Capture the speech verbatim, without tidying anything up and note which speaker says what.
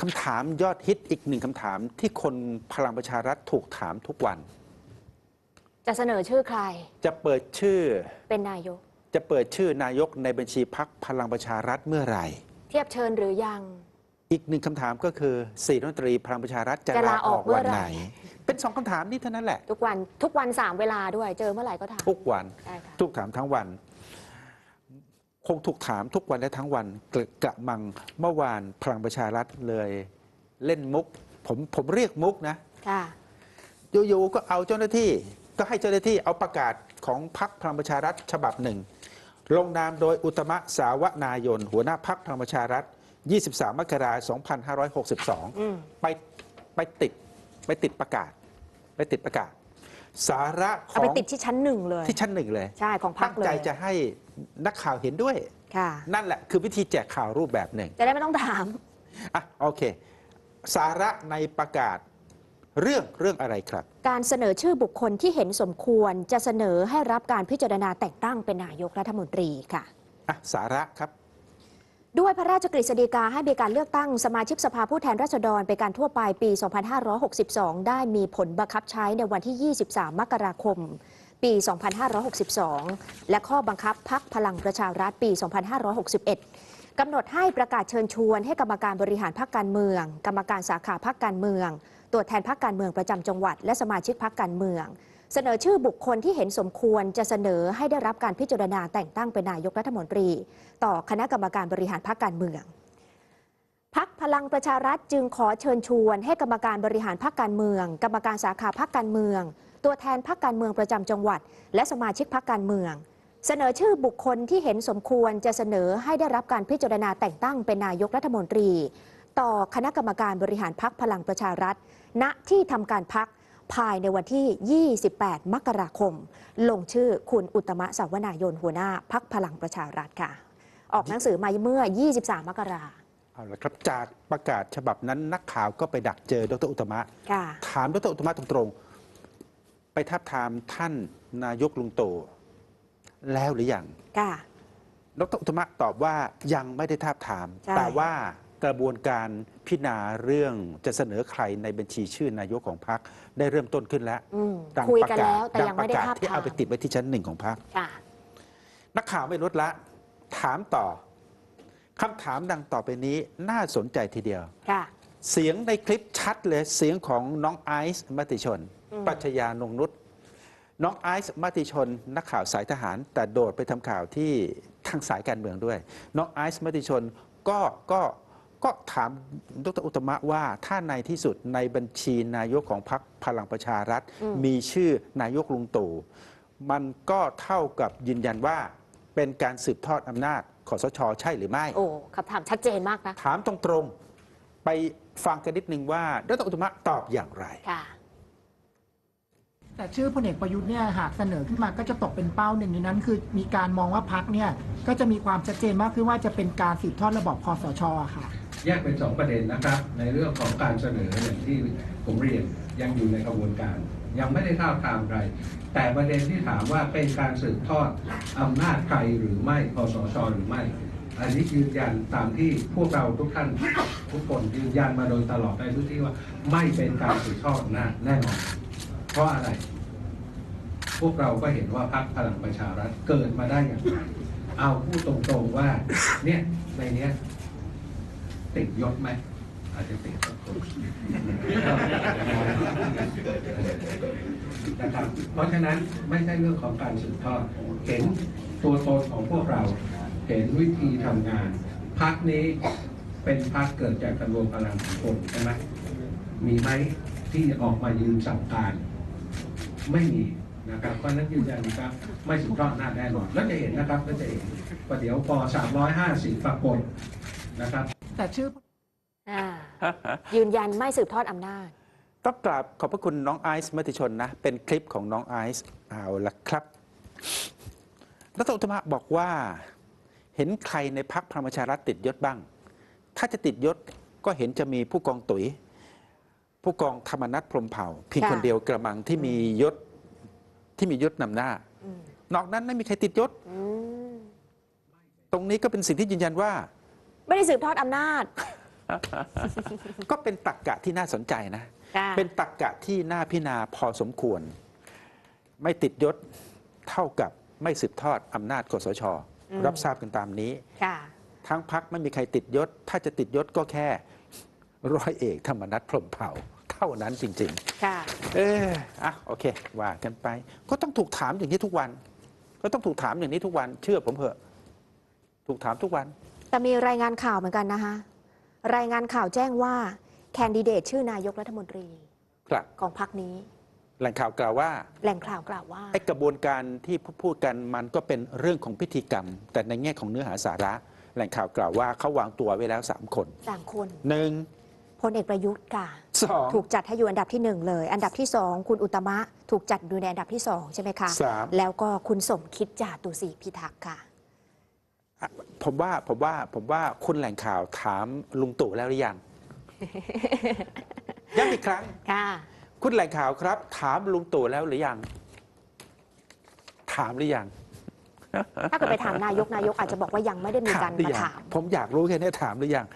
Speaker 1: คำถามยอดฮิตอีกหนึ่งคำถามที่คนพลังประชารัฐถูกถามทุกวัน
Speaker 2: จะเสนอชื่อใคร
Speaker 1: จะเปิดชื่อ
Speaker 2: เป็นนายก
Speaker 1: จะเปิดชื่อนายกในบัญชีพรรคพลังประชารัฐเมื่อไหร่
Speaker 2: เทียบเชิญหรือยัง
Speaker 1: อีกหนึ่งคำถามก็คือสี่รัฐมนตรีพลังประชารัฐจะลาออกวันไหนเป็นสองคำถามนี้เท่านั้นแหละ
Speaker 2: ทุกวันทุกวันสามเวลาด้วยเจอเมื่อไหร่ก็ถาม
Speaker 1: ทุกวันทุกถามทั้งวันคงถูกถามทุกวันและทั้งวันกระมังเมื่อวานพลังประชารัฐเลยเล่นมุกผมผมเรียกมุกนะอยู่ๆก็เอาเจ้าหน้าที่ก็ให้เจ้าหน้าที่เอาประกาศของพรรคพลังประชารัฐฉบับหนึ่งลงนามโดยอุตมะสาวนายนหัวหน้าพรรคพลังประชารัฐยี่สิบสามมกราคมสองพันห้าร้อยหกสิบสองไปไปติดไปติดประกาศไปติดประกาศสาระของ
Speaker 2: ไปติดที่ชั้นหนึ่งเลย
Speaker 1: ที่ชั้นหนึ่งเลย
Speaker 2: ใช่ของพรรคเลย
Speaker 1: ตั้งใจจะให้นักข่าวเห็นด้วยนั่นแหละคือวิธีแจกข่าวรูปแบบหนึ่ง
Speaker 2: จะได้ไม่ต้องถาม
Speaker 1: อ่ะโอเคสาระในประกาศเรื่องเรื่องอะไรครับ
Speaker 2: การเสนอชื่อบุคคลที่เห็นสมควรจะเสนอให้รับการพิจารณาแต่งตั้งเป็นนายกรัฐมนตรีค่ะ
Speaker 1: อ่ะสาระครับ
Speaker 2: ด้วยพระราชกฤษฎีกาให้มีการเลือกตั้งสมาชิกสภาผู้แทนราษฎรเป็นการทั่วไปปี สองพันห้าร้อยหกสิบสอง ได้มีผลบังคับใช้ในวันที่ ยี่สิบสาม มกราคม ปี สองพันห้าร้อยหกสิบสอง และข้อบังคับพรรคพลังประชารัฐปี สองพันห้าร้อยหกสิบเอ็ด กำหนดให้ประกาศเชิญชวนให้กรรมการบริหารพรรคการเมืองกรรมการสาขาพรรคการเมืองตัวแทนพรรคการเมืองประจำจังหวัดและสมาชิกพรรคการเมืองเสนอชื่อบุคคลที่เห็นสมควรจะเสนอให้ได้รับการพิจารณาแต่งตั้งเป็นนายกรัฐมนตรีต่อคณะกรรมการบริหารพรรคการเมืองพรรคพลังประชารัฐจึงขอเชิญชวนให้กรรมการบริหารพรรคการเมืองกรรมการสาขาพรรคการเมืองตัวแทนพรรคการเมืองประจำจังหวัดและสมาชิกพรรคการเมืองเสนอชื่อบุคคลที่เห็นสมควรจะเสนอให้ได้รับการพิจารณาแต่งตั้งเป็นนายกรัฐมนตรีต่อคณะกรรมการบริหารพรรคพลังประชารัฐณที่ทำการพรรคภายในวันที่ ยี่สิบแปด มกราคมลงชื่อคุณอุตมะสาวนายนหัวหน้าพรรคพลังประชารัฐค่ะออกหนังสือมาเมื่อ ยี่สิบสาม มกราคม
Speaker 1: เอาละครับจากประกาศฉบับนั้นนักข่าวก็ไปดักเจอดร.อุตมะถามดร.อุตมะตรงๆไปทับทามท่านนายกลุงตู่แล้วหรือยังดร.อุตมะตอบว่ายังไม่ได้ทับทามแต่ว่ากระบวนการพิจารณาเรื่องจะเสนอใครในบัญชีชื่อนายกของพรรคได้เริ่มต้นขึ้นแล้ว
Speaker 2: ดังประกาศดังประกาศ
Speaker 1: ที่เอาไปติดไว้ที่ชั้นหนึ่งของพรรคนักข่าวไม่ลดละถามต่อคำถามดังต่อไปนี้น่าสนใจทีเดียวเสียงในคลิปชัดเลยเสียงของน้องไอซ์มติชนปรัชญานงนุชน้องไอซ์มติชนนักข่าวสายทหารแต่โดดไปทำข่าวที่ทางสายการเมืองด้วยน้องไอซ์มติชนก็ก็ก็ถามดร.อุตมะว่าถ้าในที่สุดในบัญชีนายกของพรรคพลังประชารัฐมีชื่อนายกลุงตู่มันก็เท่ากับยืนยันว่าเป็นการสืบทอดอำนาจคสช.ใช่หรือไม่
Speaker 2: โอ้คำถามชัดเจนมากนะ
Speaker 1: ถามตรงๆไปฟังกันนิดนึงว่าดร.อุตมะตอบอย่างไร
Speaker 3: แต่ชื่อพลเอกประยุทธ์เนี่ยหากเสนอขึ้นมาก็จะตกเป็นเป้าหนึ่งในนั้นคือมีการมองว่าพรรคเนี่ยก็จะมีความชัดเจนมากขึ้นว่าจะเป็นการสืบทอดระบอบคสช.ค่ะ
Speaker 4: แยกเป็นสองประเด็นนะครับในเรื่องของการเสนออย่างที่ผมเรียนยังอยู่ในกระบวนการยังไม่ได้ท้าทามใครแต่ประเด็นที่ถามว่าเป็นการสืบทอดอำนาจใครหรือไม่คสช.หรือไม่อันนี้ยืนยันตามที่พวกเราทุกท่านทุกคนยืนยันมาโดยตลอดในทุกที่ว่าไม่เป็นการสืบทอดอำนาจแน่นอนเพราะอะไรพวกเราก็เห็นว่าพรรคพลังประชารัฐเกิดมาได้อย่างไรเอาพูดตรงๆว่าเนี่ยในเนี้ยติดยศไหมอาจจะติดสักคนนะครับเพราะฉะนั้นไม่ใช่เรื่องของการสืบทอดเห็นตัวตนของพวกเราเห็นวิธีทำงานพรรคนี้เป็นพรรคเกิดจากการรวมพลังของคนใช่ไหมมีไหมที่ออกมายืนสั่งการไม่มีนะครับเพราะนั้นยืนยันนะครับไม่สืบทอดอำนาจแน่นอนแล้วจะเห็นนะครับก็จะเห็นว่าเดี๋ยวพอสามร้อยห้าสิบปรากฏนะครับ
Speaker 3: แต่ชื่อ
Speaker 2: ยืนยันไม่สืบทอดอำนาจ
Speaker 1: ต้องกราบขอบพระคุณน้องไอซ์มติชนนะเป็นคลิปของน้องไอซ์เอาละครับดร.อุตมะบอกว่าเห็นใครในพรรคพลังประชารัฐติดยศบ้างถ้าจะติดยศก็เห็นจะมีผู้กองตุ๋ยผู้กองธรรมนัสพรหมเผ่าเพียงคนเดียวกระมังที่มียศที่มียศนำหน้านอกนั้นไม่มีใครติดยศตรงนี้ก็เป็นสิ่งที่ยืนยันว่า
Speaker 2: ไม่ได้สืบทอดอำนาจ
Speaker 1: ก็เป็นตรรกะที่น่าสนใจนะ
Speaker 2: ค่ะ
Speaker 1: เป็นตรรกะที่น่าพิจารณาพอสมควร ไม่ติดยศเท่ากับไม่สืบทอดอำนาจคสช
Speaker 2: อืม
Speaker 1: รับทราบกันตามนี้
Speaker 2: ค่ะ
Speaker 1: ทั้งพักไม่มีใครติดยศ ถ้าจะติดยศก็แค่ร้อยเอกธรรมนัฐพรหมเผ่า เท่านั้นจริง
Speaker 2: ค่ะ
Speaker 1: ๆ เอออ่ะโอเค ว่ากันไป ก็ต้องถูกถามอย่างนี้ทุกวัน ก็ต้องถูกถามอย่างนี้ทุกวัน เชื่อผมเถอะ ถูกถามทุกวัน
Speaker 2: แต่มีรายงานข่าวเหมือนกันนะคะ รายงานข่าวแจ้งว่าแคนดิเดตชื่อนายกรัฐมนตรี
Speaker 1: ครับ
Speaker 2: ของพรรคนี้
Speaker 1: แหล่งข่าวกล่าวว่า
Speaker 2: แหล่งข่าวกล่าวว่า
Speaker 1: ไอ้กระบวนการที่พูดกันมันก็เป็นเรื่องของพิธีกรรม แต่ในแง่ของเนื้อหาสาระ แหล่งข่าวกล่าวว่าเขาวางตัวไว้แล้วสามคน
Speaker 2: สามคน
Speaker 1: หนึ่ง
Speaker 2: พลเอกประยุทธ์ค่ะ
Speaker 1: สอง
Speaker 2: ถูกจัดให้อยู่อันดับที่หนึ่งเลย อันดับที่สองคุณอุตตมะถูกจัดอยู่ในอันดับที่สองใช่ไหมคะ
Speaker 1: สาม
Speaker 2: แล้วก็คุณสมคิดจาตุศรีพิทักษ์ค่ะ
Speaker 1: อ่ะผมว่าผมว่าผมว่าคุณแหล่งข่าวถามลุงตู่แล้วหรือยัง ย้ำอีกครั้ง
Speaker 2: ค่ะ
Speaker 1: คุณแหล่งข่าวครับ ถามลุงตู่แล้วหรือยัง ถามหรือยัง
Speaker 2: ถ้าเกิดไปถามนายกนายกอาจจะบอกว่ายังไม่ได้มี
Speaker 1: ถา
Speaker 2: การ
Speaker 1: มหรือ
Speaker 2: มา
Speaker 1: ยัง
Speaker 2: ถาม
Speaker 1: ผมอยากรู้แค่นี้ถามหรือยัง